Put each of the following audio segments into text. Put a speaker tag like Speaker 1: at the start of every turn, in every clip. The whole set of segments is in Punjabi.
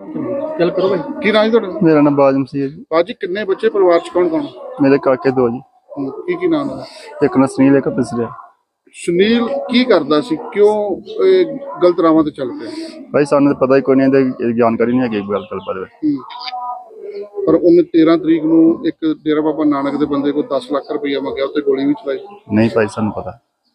Speaker 1: ਚੱਲ ਕਰੋ ਭਾਈ।
Speaker 2: ਕੀ ਨਾਂ ਜੀ ਤੁਹਾਡਾ?
Speaker 3: ਮੇਰਾ ਨਾਮ ਬਾਜਮ ਸੀ ਜੀ।
Speaker 2: ਬਾਜੀ ਕਿੰਨੇ ਬੱਚੇ ਪਰਿਵਾਰ ਚ ਕੌਣ ਕੌਣ?
Speaker 3: ਮੇਰੇ ਕਾਕੇ ਦੋ ਜੀ।
Speaker 2: ਕੀ ਨਾਮ ਹੈ?
Speaker 3: ਇੱਕ ਨਸਨੀਲ ਇੱਕ ਪਿਸਰਿਆ।
Speaker 2: ਸੁਨੀਲ ਕੀ ਕਰਦਾ ਸੀ, ਕਿਉਂ ਇਹ ਗਲਤ ਰਾਵਾਂ ਤੇ ਚੱਲ ਪਿਆ?
Speaker 3: ਭਾਈ ਸਾਨੂੰ ਤਾਂ ਪਤਾ ਹੀ ਕੋਈ ਨਹੀਂ, ਇਹਦੀ ਜਾਣਕਾਰੀ ਨਹੀਂ ਹੈਗੀ ਗੱਲ ਬਾਰੇ।
Speaker 2: ਪਰ ਉਹਨੇ 13 ਤਰੀਕ ਨੂੰ ਇੱਕ ਡੇਰਾ ਬਾਬਾ ਨਾਨਕ ਦੇ ਬੰਦੇ ਕੋਲ 10 ਲੱਖ ਰੁਪਈਆ ਮੰਗਿਆ, ਉੱਤੇ ਗੋਲੀ ਵੀ ਚਲਾਈ।
Speaker 3: ਨਹੀਂ ਭਾਈ ਸਾਨੂੰ ਪਤਾ।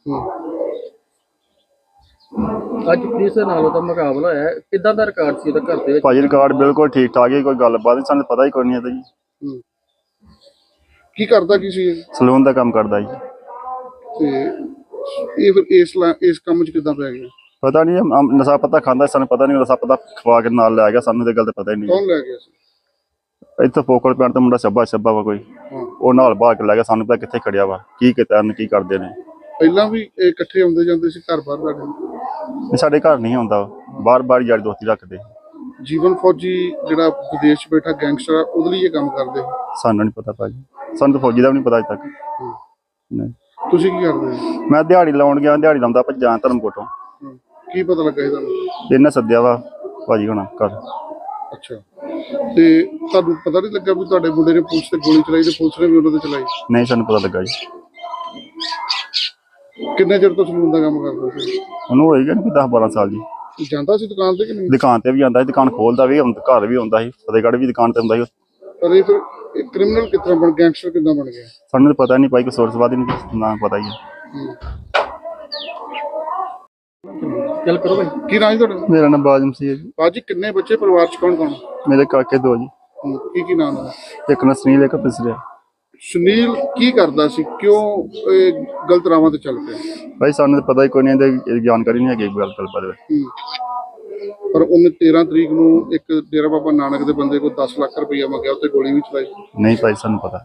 Speaker 1: ਅੱਜ ਪੁਲਿਸ ਦੇ ਨਾਲ ਉਹਦਾ ਮੁਕਾਬਲਾ ਹੋਇਆ, ਕਿੱਦਾਂ ਦਾ ਰਿਕਾਰਡ ਸੀ ਉਹਦਾ ਘਰ ਦੇ ਵਿੱਚ?
Speaker 3: ਭਾਜੀ ਰਿਕਾਰਡ ਬਿਲਕੁਲ ਠੀਕ ਠਾਕ ਹੈ, ਕੋਈ ਗੱਲਬਾਤ ਨਹੀਂ, ਸਾਨੂੰ ਪਤਾ ਹੀ ਕੋਈ ਨਹੀਂ ਇਹਦਾ ਜੀ।
Speaker 2: ਕੀ ਕਰਦਾ ਕੀ ਸੀ ਇਹ?
Speaker 3: ਸਲੂਨ ਦਾ ਕੰਮ ਕਰਦਾ ਜੀ।
Speaker 2: ਤੇ ਇਹ ਫਿਰ ਇਸ ਕੰਮ 'ਚ ਕਿੱਦਾਂ ਪੈ ਗਿਆ?
Speaker 3: ਪਤਾ ਨਹੀਂ, ਨਸ਼ਾ ਪਤਾ ਖਾਂਦਾ, ਸਾਨੂੰ ਪਤਾ ਨਹੀਂ, ਨਸ਼ਾ ਪਤਾ ਖਵਾ ਕੇ ਨਾਲ ਲੈ ਗਿਆ, ਸਾਨੂੰ ਤੇ ਗੱਲ ਤਾਂ ਪਤਾ ਹੀ ਨਹੀਂ।
Speaker 2: ਕੌਣ ਲੈ ਗਿਆ ਸੀ?
Speaker 3: ਇੱਥੇ ਫੋਕਲ ਪਿੰਡ ਤੋਂ ਮੁੰਡਾ ਛੱਬਾ ਵਾ ਕੋਈ, ਉਹ ਨਾਲ ਬਾਹਰ ਕੇ ਲੈ ਗਿਆ, ਸਾਨੂੰ ਪਤਾ ਕਿੱਥੇ ਖੜਿਆ ਵਾ, ਕੀ ਕੀਤਾ ਕੀ ਕਰਦੇ ਨੇ।
Speaker 2: ਪਹਿਲਾਂ ਵੀ ਇਹ ਇਕੱਠੇ ਆਉਂਦੇ ਜਾਂਦੇ ਸੀ ਘਰ ਬਾਹਰ ਸਾਡੇ?
Speaker 3: ਸਾਡੇ ਘਰ ਨਹੀਂ ਆਉਂਦਾ, ਬਾਹਰ ਯਾਰੀ ਦੋਸਤੀ ਰੱਖਦੇ।
Speaker 2: ਜੀਵਨ ਫੌਜੀ ਜਿਹੜਾ ਵਿਦੇਸ਼ 'ਚ ਬੈਠਾ ਗੈਂਗਸਟਰ ਆ, ਉਹਦੇ ਲਈ ਇਹ ਕੰਮ ਕਰਦੇ?
Speaker 3: ਸਾਨੂੰ ਨਹੀਂ ਪਤਾ ਭਾਜੀ, ਸਾਨੂੰ ਤਾਂ ਫੌਜੀ ਦਾ ਵੀ ਨਹੀਂ ਪਤਾ ਅਜੇ ਤੱਕ। ਨਹੀਂ।
Speaker 2: ਤੁਸੀਂ ਕੀ ਕਰਦੇ?
Speaker 3: ਮੈਂ ਦਿਹਾੜੀ ਲਾਉਣ ਗਿਆ, ਦਿਹਾੜੀ ਲਾਉਂਦਾ ਭੱਜਾਂ ਧਰਮਕੋਟੋਂ।
Speaker 2: ਕੀ ਪਤਾ ਲੱਗਾ ਇਹ ਤੁਹਾਨੂੰ?
Speaker 3: ਇਹਨੇ ਸੱਦਿਆ ਵਾ ਭਾਜੀ ਹੁਣ ਘਰ।
Speaker 2: ਅੱਛਾ, ਤੇ ਤੁਹਾਨੂੰ ਪਤਾ ਨਹੀਂ ਲੱਗਾ ਵੀ ਤੁਹਾਡੇ ਮੁੰਡੇ ਨੇ ਪੁਲਿਸ ਤੇ ਗੋਲੀ ਚਲਾਈ ਤੇ ਪੁਲਿਸ ਨੇ ਵੀ ਉਹਨਾਂ ਤੇ ਚਲਾਈ?
Speaker 3: ਨਹੀਂ ਸਾਨੂੰ ਪਤਾ ਲੱਗਾ ਜੀ।
Speaker 2: ਕਿੰਨੇ ਚਿਰ ਤੋਂ ਸਲੂਨ ਦਾ ਕੰਮ ਕਰਦਾ ਸੀ?
Speaker 3: ਉਹਨੂੰ ਹੋਏਗਾ 10-12 ਸਾਲ ਜੀ।
Speaker 2: ਜਾਂਦਾ ਸੀ ਦੁਕਾਨ ਤੇ ਕਿ ਨਹੀਂ?
Speaker 3: ਦੁਕਾਨ ਤੇ ਵੀ ਆਉਂਦਾ ਸੀ, ਦੁਕਾਨ ਖੋਲਦਾ ਵੀ, ਘਰ ਵੀ ਆਉਂਦਾ ਸੀ, ਫਤਿਹਗੜ੍ਹ ਵੀ ਦੁਕਾਨ ਤੇ ਆਉਂਦਾ ਸੀ।
Speaker 2: ਪਰ ਇਹ ਫਿਰ ਕ੍ਰਿਮੀਨਲ ਕਿਸ ਤਰ੍ਹਾਂ ਗੈਂਗਸਟਰ ਕਿੱਦਾਂ ਬਣ ਗਿਆ?
Speaker 3: ਸਾਨੂੰ ਤਾਂ ਪਤਾ ਨਹੀਂ ਭਾਈ, ਕੋਈ ਸੋਰਸਵਾਦ ਹੀ ਨਹੀਂ, ਨਾ ਪਤਾ ਹੀ ਹੈ।
Speaker 1: ਚੱਲ ਕਰੋ ਭਾਈ।
Speaker 2: ਕੀ ਨਾਂ ਜੀ ਤੁਹਾਡਾ?
Speaker 3: ਮੇਰਾ ਨਾਮ ਬਾਜਮ ਸੀ ਜੀ।
Speaker 2: ਬਾਜੀ ਕਿੰਨੇ ਬੱਚੇ ਪਰਿਵਾਰ ਚ ਕੌਣ ਕੌਣ?
Speaker 3: ਮੇਰੇ ਕਾਕੇ ਦੋ ਜੀ।
Speaker 2: ਕੀ ਨਾਮ ਹੈ?
Speaker 3: ਇੱਕ ਨਸਨੀਲ ਇੱਕ ਪਿਸਰਿਆ।
Speaker 2: ਸੁਨੀਲ ਕੀ ਕਰਦਾ ਸੀ, ਕਿਉਂ ਇਹ ਗਲਤ ਰਾਵਾਂ ਤੇ ਚੱਲ ਪਿਆ?
Speaker 3: ਭਾਈ ਸਾਨੂੰ ਤਾਂ ਪਤਾ ਹੀ ਕੋਈ ਨਹੀਂ, ਇਹਦੀ ਜਾਣਕਾਰੀ ਨਹੀਂ ਹੈਗੀ ਗੱਲ ਬਾਰੇ।
Speaker 2: ਪਰ ਉਹਨੇ 13 ਤਰੀਕ ਨੂੰ ਇੱਕ ਡੇਰਾ ਬਾਬਾ ਨਾਨਕ ਦੇ ਬੰਦੇ ਕੋਲ 10 ਲੱਖ ਰੁਪਈਆ ਮੰਗਿਆ, ਉੱਤੇ ਗੋਲੀ ਵੀ ਚਲਾਈ।
Speaker 3: ਨਹੀਂ ਭਾਈ ਸਾਨੂੰ ਪਤਾ।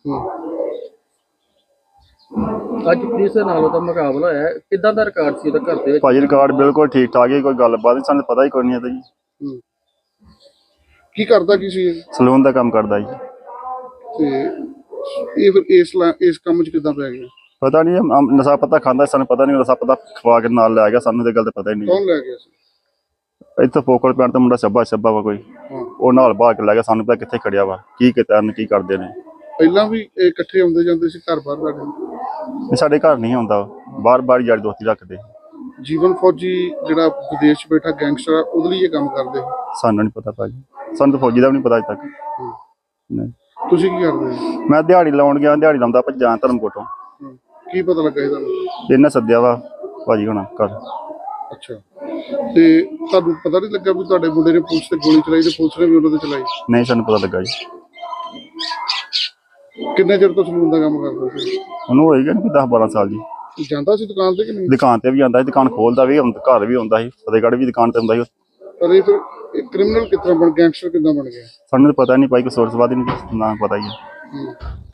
Speaker 1: ਅੱਜ ਪੁਲਿਸ ਦੇ ਨਾਲ ਉਹਦਾ ਮੁਕਾਬਲਾ ਹੋਇਆ, ਕਿੱਦਾਂ ਦਾ ਰਿਕਾਰਡ ਸੀ ਉਹਦਾ ਘਰ ਦੇ ਵਿੱਚ? ਭਾਜੀ
Speaker 3: ਰਿਕਾਰਡ ਬਿਲਕੁਲ ਠੀਕ ਠਾਕ ਹੈ, ਕੋਈ ਗੱਲਬਾਤ ਨਹੀਂ, ਸਾਨੂੰ ਪਤਾ ਹੀ ਕੋਈ ਨਹੀਂ ਇਹਦਾ ਜੀ।
Speaker 2: ਕੀ ਕਰਦਾ ਕੀ ਸੀ ਇਹ?
Speaker 3: ਸਲੂਨ ਦਾ ਕੰਮ ਕਰਦਾ ਜੀ।
Speaker 2: ਤੇ ਇਹ ਫਿਰ ਇਸ ਕੰਮ 'ਚ ਕਿੱਦਾਂ ਪੈ ਗਿਆ?
Speaker 3: ਪਤਾ ਨਹੀਂ, ਨਸ਼ਾ ਪਤਾ ਖਾਂਦਾ, ਸਾਨੂੰ ਪਤਾ ਨਹੀਂ, ਨਸ਼ਾ ਪਤਾ ਖਵਾ ਕੇ ਨਾਲ ਲੈ ਗਿਆ, ਸਾਨੂੰ ਤੇ ਗੱਲ ਤਾਂ ਪਤਾ ਹੀ ਨਹੀਂ।
Speaker 2: ਕੌਣ ਲੈ ਗਿਆ ਸੀ?
Speaker 3: ਇੱਥੇ ਫੋਕਲ ਪਿੰਡ ਤੋਂ ਮੁੰਡਾ ਛੱਬਾ ਵਾ ਕੋਈ, ਉਹ ਨਾਲ ਬਾਹਰ ਕੇ ਲੈ ਗਿਆ, ਸਾਨੂੰ ਪਤਾ ਕਿੱਥੇ ਖੜਿਆ ਵਾ, ਕੀ ਕੀਤਾ ਕੀ ਕਰਦੇ ਨੇ।
Speaker 2: ਪਹਿਲਾਂ ਵੀ ਇਹ ਇਕੱਠੇ ਆਉਂਦੇ ਜਾਂਦੇ ਸੀ ਘਰ ਬਾਹਰ ਸਾਡੇ?
Speaker 3: ਸਾਡੇ ਘਰ ਨਹੀਂ ਆਉਂਦਾ, ਬਾਹਰ ਯਾਰੀ ਦੋਸਤੀ ਰੱਖਦੇ।
Speaker 2: ਜੀਵਨ ਫੌਜੀ ਜਿਹੜਾ ਵਿਦੇਸ਼ 'ਚ ਬੈਠਾ ਗੈਂਗਸਟਰ ਆ, ਉਹਦੇ ਲਈ ਇਹ ਕੰਮ ਕਰਦੇ?
Speaker 3: ਸਾਨੂੰ ਨਹੀਂ ਪਤਾ ਭਾਜੀ, ਸਾਨੂੰ ਤਾਂ ਫੌਜੀ ਦਾ ਵੀ ਨਹੀਂ ਪਤਾ ਅਜੇ ਤੱਕ। ਨਹੀਂ।
Speaker 2: ਤੁਸੀਂ ਕੀ ਕਰਦੇ?
Speaker 3: ਮੈਂ ਦਿਹਾੜੀ ਲਾਉਣ ਗਿਆ, ਦਿਹਾੜੀ ਲਾਉਂਦਾ ਭੱਜਾਂ ਧਰਮਕੋਟੋਂ।
Speaker 2: ਕੀ ਪਤਾ ਲੱਗਾ ਇਹ ਤੁਹਾਨੂੰ?
Speaker 3: ਇਹਨੇ ਸੱਦਿਆ ਵਾ ਭਾਜੀ ਹੁਣ ਘਰ।
Speaker 2: ਅੱਛਾ, ਤੇ ਤੁਹਾਨੂੰ ਪਤਾ ਨਹੀਂ ਲੱਗਾ ਵੀ ਤੁਹਾਡੇ ਮੁੰਡੇ ਨੇ ਪੁਲਿਸ ਤੇ ਗੋਲੀ ਚਲਾਈ ਤੇ ਪੁਲਿਸ ਨੇ ਵੀ ਉਹਨਾਂ ਤੇ ਚਲਾਈ?
Speaker 3: ਨਹੀਂ ਸਾਨੂੰ ਪਤਾ ਲੱਗਾ ਜੀ।
Speaker 2: ਕਿੰਨੇ ਚਿਰ ਤੋਂ ਸਲੂਨ ਦਾ ਕੰਮ ਕਰਦਾ ਸੀ?
Speaker 3: ਉਹਨੂੰ ਹੋਏਗਾ 10-12 ਸਾਲ ਜੀ।
Speaker 2: ਜਾਂਦਾ ਸੀ ਦੁਕਾਨ ਤੇ ਕਿ ਨਹੀਂ?
Speaker 3: ਦੁਕਾਨ ਤੇ ਵੀ ਆਉਂਦਾ ਸੀ, ਦੁਕਾਨ ਖੋਲਦਾ ਵੀ, ਘਰ ਵੀ ਆਉਂਦਾ ਸੀ, ਫਤਿਹਗੜ੍ਹ ਵੀ ਦੁਕਾਨ ਤੇ ਆਉਂਦਾ ਸੀ।
Speaker 2: ਪਰ ਇਹ ਫਿਰ ਕ੍ਰਿਮੀਨਲ ਕਿਸ ਤਰ੍ਹਾਂ ਗੈਂਗਸਟਰ ਕਿੱਦਾਂ ਬਣ ਗਿਆ?
Speaker 3: ਸਾਨੂੰ ਤਾਂ ਪਤਾ ਨਹੀਂ ਭਾਈ, ਕੋਈ ਸੋਰਸਵਾਦ ਹੀ ਨਹੀਂ, ਨਾ ਪਤਾ ਹੀ ਹੈ।